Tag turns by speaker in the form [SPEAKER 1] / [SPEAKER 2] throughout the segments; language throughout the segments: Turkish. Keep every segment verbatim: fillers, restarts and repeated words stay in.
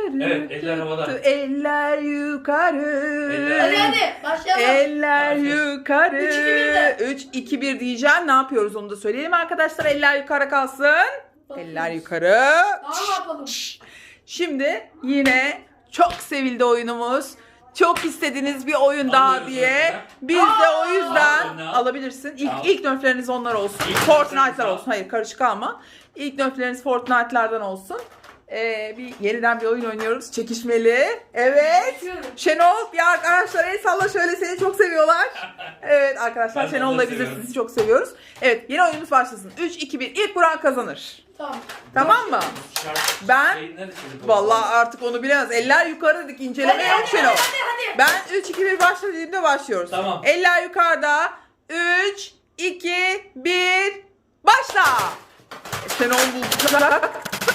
[SPEAKER 1] yukarı.
[SPEAKER 2] Evet, eller havada.
[SPEAKER 1] Eller yukarı.
[SPEAKER 2] Eller-
[SPEAKER 3] Hadi hadi başlayalım.
[SPEAKER 1] Eller
[SPEAKER 2] Başlayalım.
[SPEAKER 1] yukarı.
[SPEAKER 3] Üç, iki, bir de.
[SPEAKER 1] üç iki bir diyeceğim. Ne yapıyoruz onu da söyleyelim arkadaşlar. Eller yukarı kalsın.
[SPEAKER 3] Bakıyoruz.
[SPEAKER 1] Eller yukarı.
[SPEAKER 3] Daha ne yapalım?
[SPEAKER 1] Şimdi yine çok sevildi oyunumuz. Çok istediğiniz bir oyun daha
[SPEAKER 2] Alıyoruz
[SPEAKER 1] diye.
[SPEAKER 2] önce.
[SPEAKER 1] Biz de o
[SPEAKER 2] Al,
[SPEAKER 1] yüzden
[SPEAKER 2] önüne al.
[SPEAKER 1] alabilirsin. İlk,
[SPEAKER 2] Al.
[SPEAKER 1] ilk nöfleriniz onlar olsun.
[SPEAKER 2] İlk
[SPEAKER 1] Fortnite'lar
[SPEAKER 2] nöfleriniz
[SPEAKER 1] olsun. Hayır karışık alma. İlk nöfleriniz Fortnite'lardan olsun. Ee, bir yeniden bir oyun oynuyoruz. Çekişmeli. Evet.
[SPEAKER 3] Başlıyorum.
[SPEAKER 1] Şenol bir arkadaşlar el salla şöyle, seni çok seviyorlar. Evet arkadaşlar
[SPEAKER 2] Ben de
[SPEAKER 1] Şenol'la
[SPEAKER 2] onları
[SPEAKER 1] biz de
[SPEAKER 2] seviyorum.
[SPEAKER 1] sizi çok seviyoruz. Evet yeni oyunumuz başlasın. üç iki bir ilk vuran kazanır.
[SPEAKER 3] Tamam.
[SPEAKER 1] Tamam mı?
[SPEAKER 2] Şarkı-
[SPEAKER 1] Ben-
[SPEAKER 2] şey nerede çocuk
[SPEAKER 1] Vallahi
[SPEAKER 2] olsa?
[SPEAKER 1] artık onu bilemez. Eller yukarı dedik, inceleme
[SPEAKER 3] Hadi
[SPEAKER 1] yok
[SPEAKER 3] hadi
[SPEAKER 1] Şenol.
[SPEAKER 3] hadi hadi.
[SPEAKER 1] Ben üç iki bir başla dediğimde başlıyoruz.
[SPEAKER 2] Tamam.
[SPEAKER 1] Eller yukarıda. üç iki bir başla. Şenol bulacak.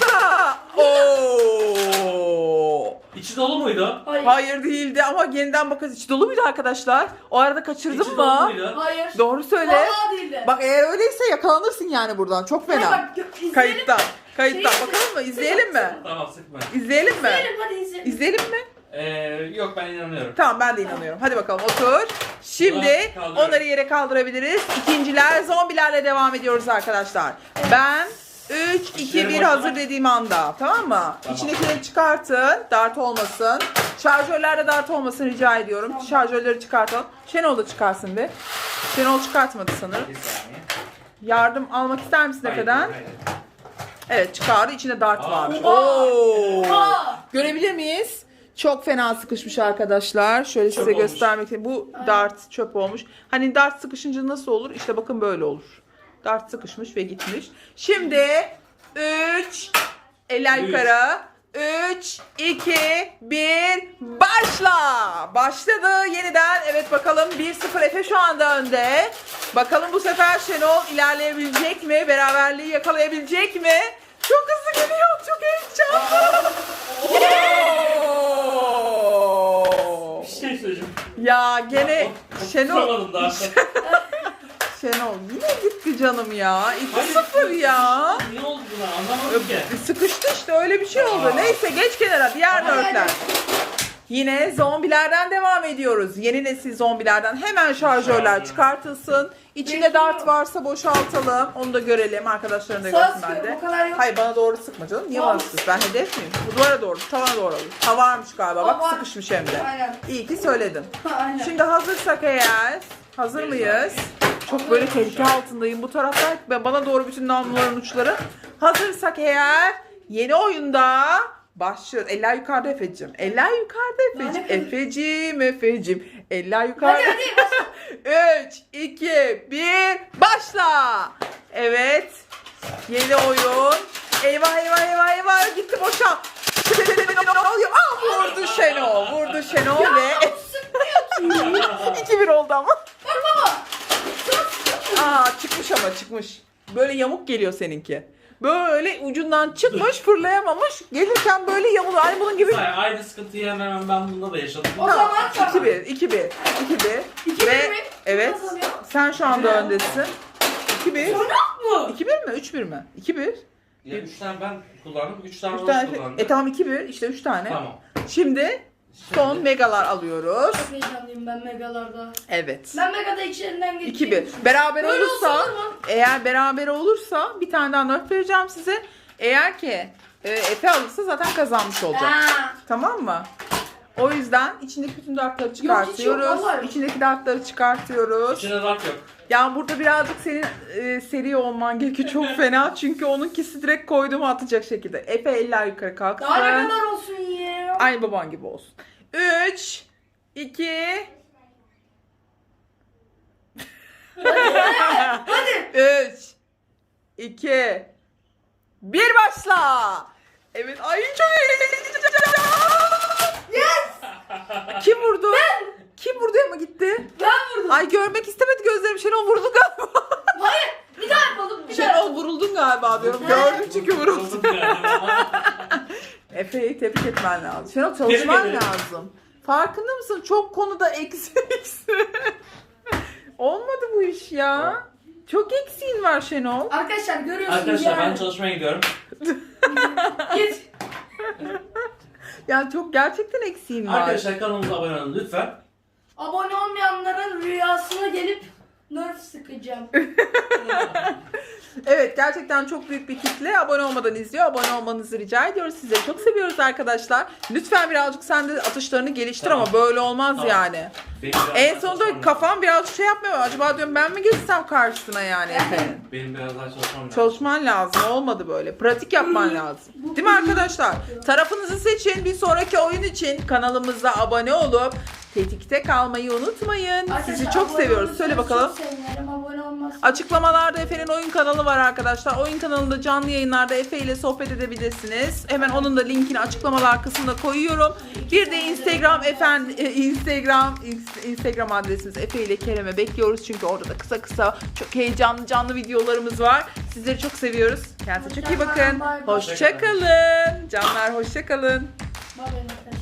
[SPEAKER 1] Oo.
[SPEAKER 2] İçi dolu muydu?
[SPEAKER 3] Hayır.
[SPEAKER 1] Hayır değildi ama yeniden bakarız. İçi dolu muydu arkadaşlar? O arada kaçırdın
[SPEAKER 2] İçi dolu
[SPEAKER 1] mı?
[SPEAKER 2] muydu?
[SPEAKER 3] Hayır.
[SPEAKER 1] Doğru söyle.
[SPEAKER 3] Vallahi değildi.
[SPEAKER 1] Bak eğer öyleyse yakalanırsın yani buradan. Çok
[SPEAKER 3] Hayır,
[SPEAKER 1] fena.
[SPEAKER 3] bak, izleyelim.
[SPEAKER 1] Kayıtta. Kayıtta.
[SPEAKER 3] Şey-
[SPEAKER 1] Bakalım mı? İzleyelim mi?
[SPEAKER 2] Tamam sıkma.
[SPEAKER 1] İzleyelim mi?
[SPEAKER 3] İzleyelim hadi izleyelim.
[SPEAKER 1] İzleyelim mi?
[SPEAKER 2] Ee, yok ben inanıyorum.
[SPEAKER 1] Tamam ben de inanıyorum. Hadi bakalım otur. Şimdi
[SPEAKER 2] Ulan, kaldırıyorum.
[SPEAKER 1] onları yere kaldırabiliriz. İkinciler zombilerle devam ediyoruz arkadaşlar. Ben üç iki
[SPEAKER 2] İşleri
[SPEAKER 1] bir
[SPEAKER 2] boşuna.
[SPEAKER 1] hazır dediğim anda. Tamam mı?
[SPEAKER 2] Tamam.
[SPEAKER 1] İçindekileri çıkartın. Dart olmasın. Şarjörlerde dart olmasın rica ediyorum.
[SPEAKER 3] Tamam.
[SPEAKER 1] Şarjörleri çıkartalım. Şenol da çıkarsın bir. Şenol çıkartmadı sanırım.
[SPEAKER 2] Bir saniye.
[SPEAKER 1] Yardım almak ister misin
[SPEAKER 2] Hayır,
[SPEAKER 1] Efe'den?
[SPEAKER 2] hayır.
[SPEAKER 1] Evet çıkardı. İçinde dart
[SPEAKER 2] Aa.
[SPEAKER 1] varmış.
[SPEAKER 3] Oha.
[SPEAKER 1] Oo.
[SPEAKER 3] Oha.
[SPEAKER 1] Görebilir miyiz? Çok fena sıkışmış arkadaşlar. Şöyle
[SPEAKER 2] Çöp
[SPEAKER 1] size
[SPEAKER 2] olmuş.
[SPEAKER 1] göstermek için. Bu dart çöp olmuş. Hani dart sıkışınca nasıl olur? İşte bakın böyle olur. Dart sıkışmış ve gitmiş. Şimdi üç eller
[SPEAKER 2] Üç.
[SPEAKER 1] yukarı. üç iki bir başla. Başladı yeniden. Evet bakalım bir sıfır Efe şu anda önde. Bakalım bu sefer Şenol ilerleyebilecek mi? Beraberliği yakalayabilecek mi? Çok hızlı geliyor. Çok heyecanlı. Oo!
[SPEAKER 2] Bir şey söyleyeceğim.
[SPEAKER 1] Ya gene Şenol
[SPEAKER 2] Tutamadım daha.
[SPEAKER 1] Şenol yine gitti canım ya. iki
[SPEAKER 2] Hayır,
[SPEAKER 1] sıfır ya.
[SPEAKER 2] Ne oldu buna anlamadım ki.
[SPEAKER 1] Sıkıştı işte öyle bir şey oldu.
[SPEAKER 2] Aa.
[SPEAKER 1] Neyse geç kenara diğer
[SPEAKER 3] Hadi,
[SPEAKER 1] nörtler.
[SPEAKER 3] hadi.
[SPEAKER 1] Yine zombilerden devam ediyoruz. Yeni nesil zombilerden hemen şarjörler
[SPEAKER 2] Şarjör.
[SPEAKER 1] çıkartılsın. İçinde
[SPEAKER 3] Bekliyorum.
[SPEAKER 1] dart varsa boşaltalım. Onu da görelim. Arkadaşların da
[SPEAKER 3] Sağa
[SPEAKER 1] görsün ben
[SPEAKER 3] sıkıyorum,
[SPEAKER 1] de.
[SPEAKER 3] o kadar yok.
[SPEAKER 1] Hayır bana doğru sıkma canım. Niye
[SPEAKER 3] Tamam.
[SPEAKER 1] bana sıkıyorsun? Ben hedef miyim? Bu duvara doğru, tavana doğru alır. Ha varmış galiba. Bak
[SPEAKER 3] Var.
[SPEAKER 1] sıkışmış hem de.
[SPEAKER 3] Aynen.
[SPEAKER 1] İyi ki söyledin.
[SPEAKER 3] Aynen.
[SPEAKER 1] Şimdi hazırsak eğer, hazır mıyız? Çok böyle tehlike altındayım. Bu taraftan ve bana doğru bütün namluların uçları. Hazırsak eğer yeni oyunda başlıyoruz. Eller yukarıda Efe'cim. Eller yukarıda Efe'cim.
[SPEAKER 3] Lanet
[SPEAKER 1] Efe'cim, Efe'cim. Eller yukarıda.
[SPEAKER 3] Hadi hadi.
[SPEAKER 1] üç, iki, bir, başla. Evet. Yeni oyun. Eyvah eyvah eyvah eyvah. Gitti boşa. Ne oluyor? Aa, vurdu Şenol. Vurdu Şenol ve iki bir oldu ama.
[SPEAKER 3] Bak baba.
[SPEAKER 1] Aa çıkmış ama çıkmış. Böyle yamuk geliyor seninki. Böyle ucundan çıkmış, fırlayamamış. Gelirken böyle yamuluyor. Aynı bunun gibi.
[SPEAKER 2] Hayır, aynı sıkıntıyı hemen hemen ben bunda da yaşadım.
[SPEAKER 3] O zaman tamam.
[SPEAKER 1] iki bir, iki bir, iki bir.
[SPEAKER 3] İki
[SPEAKER 1] Ve
[SPEAKER 3] bir mi?
[SPEAKER 1] evet.
[SPEAKER 3] Kazanıyor.
[SPEAKER 1] Sen şu anda öndesin. iki bir.
[SPEAKER 3] Sonra mı?
[SPEAKER 1] iki bir mi? üç bir mi? iki bir.
[SPEAKER 2] Ya üç tane ben kullandım, üç tane
[SPEAKER 1] üç
[SPEAKER 2] Roz
[SPEAKER 1] tane.
[SPEAKER 2] kullandı.
[SPEAKER 1] E tamam iki bir. İşte üç tane.
[SPEAKER 2] Tamam.
[SPEAKER 1] Şimdi son
[SPEAKER 2] Şimdi-
[SPEAKER 1] megalar alıyoruz.
[SPEAKER 3] Çok heyecanlıyım ben megalarda.
[SPEAKER 1] Evet.
[SPEAKER 3] Ben megada içlerinden geçeyim.
[SPEAKER 1] iki bir. Beraber
[SPEAKER 3] Böyle
[SPEAKER 1] olursa,
[SPEAKER 3] olsun mu?
[SPEAKER 1] eğer beraber olursa bir tane daha not vereceğim size. Eğer ki e, Efe alırsa zaten kazanmış olacak.
[SPEAKER 3] Ha.
[SPEAKER 1] Tamam mı? O yüzden içindeki bütün dartları
[SPEAKER 3] Yok, hiç yok,
[SPEAKER 1] çıkartıyoruz.
[SPEAKER 3] vallahi.
[SPEAKER 1] İçindeki dartları çıkartıyoruz.
[SPEAKER 2] İçinde dart yok.
[SPEAKER 1] Yani burada birazcık senin e, seri olman gerekiyor. Çok fena. Çünkü onunkisi direkt koyduğumu atacak şekilde. Efe eller yukarı kalksın.
[SPEAKER 3] Daha ne kadar olsun ya?
[SPEAKER 1] Aynı baban gibi olsun. üç, iki,
[SPEAKER 3] Hadi.
[SPEAKER 1] üç, iki, bir başla. Evet. Ay çok heyecanlı.
[SPEAKER 3] Yes.
[SPEAKER 1] Kim vurdu? Ben. Kim vurdu ama gitti?
[SPEAKER 3] Ben vurdum.
[SPEAKER 1] Ay görmek istemedi gözlerim. Şenol vurdu galiba.
[SPEAKER 3] Hayır. Bir daha yapalım. Bir daha.
[SPEAKER 1] Şenol vuruldun galiba diyorum. Gördüm çünkü vuruldun.
[SPEAKER 2] Buldum yani.
[SPEAKER 1] Efe'yi tebrik etmen lazım. Şenol çalışman
[SPEAKER 2] Tebrik ederim.
[SPEAKER 1] lazım. Farkında mısın? Çok konuda eksi eksi. Olmadı bu iş ya. Çok eksiğin var Şenol.
[SPEAKER 3] Arkadaşlar görüyorsunuz
[SPEAKER 2] Arkadaşlar ben
[SPEAKER 3] yani.
[SPEAKER 2] çalışmaya gidiyorum.
[SPEAKER 3] Git.
[SPEAKER 1] Yani çok gerçekten eksiğin var.
[SPEAKER 2] Arkadaşlar kanalımıza abone olun lütfen.
[SPEAKER 3] Abone olmayanların rüyasına gelip nerf sıkacağım.
[SPEAKER 1] Evet, gerçekten çok büyük bir kitle abone olmadan izliyor. Abone olmanızı rica ediyoruz. Sizleri çok seviyoruz arkadaşlar. Lütfen birazcık sen de atışlarını geliştir
[SPEAKER 2] Tamam.
[SPEAKER 1] ama böyle olmaz
[SPEAKER 2] Tamam.
[SPEAKER 1] yani.
[SPEAKER 2] Benim biraz
[SPEAKER 1] En
[SPEAKER 2] daha
[SPEAKER 1] sonunda
[SPEAKER 2] çalışmam
[SPEAKER 1] kafam birazcık şey yapmıyor. Acaba diyorum ben mi geçsem karşısına yani Efe'nin?
[SPEAKER 2] lazım. Benim biraz daha çalışmam lazım.
[SPEAKER 1] Çalışman lazım. Olmadı böyle. Pratik yapman lazım. Değil mi arkadaşlar? Tarafınızı seçin. Bir sonraki oyun için kanalımıza abone olup tetikte kalmayı unutmayın. Sizi
[SPEAKER 3] Arkadaşlar,
[SPEAKER 1] çok
[SPEAKER 3] abone
[SPEAKER 1] seviyoruz.
[SPEAKER 3] olursanız
[SPEAKER 1] Söyle bakalım.
[SPEAKER 3] Çok sevinirim. Abone olmazsanız.
[SPEAKER 1] Açıklamalarda Efe'nin oyun kanalı var arkadaşlar. Oyun kanalında canlı yayınlarda Efe ile sohbet edebilirsiniz. Hemen onun da linkini açıklamalar kısmına koyuyorum. Bir de Instagram efendi e, Instagram Instagram adresimiz Efe ile Kerem'e bekliyoruz. Çünkü orada da kısa kısa çok heyecanlı canlı videolarımız var. Sizleri çok seviyoruz. Kendinize çok iyi bakın.
[SPEAKER 3] Hoşça kalın, bay bay.
[SPEAKER 1] Hoşça kalın. Canlar hoşça kalın.
[SPEAKER 3] Bay bay.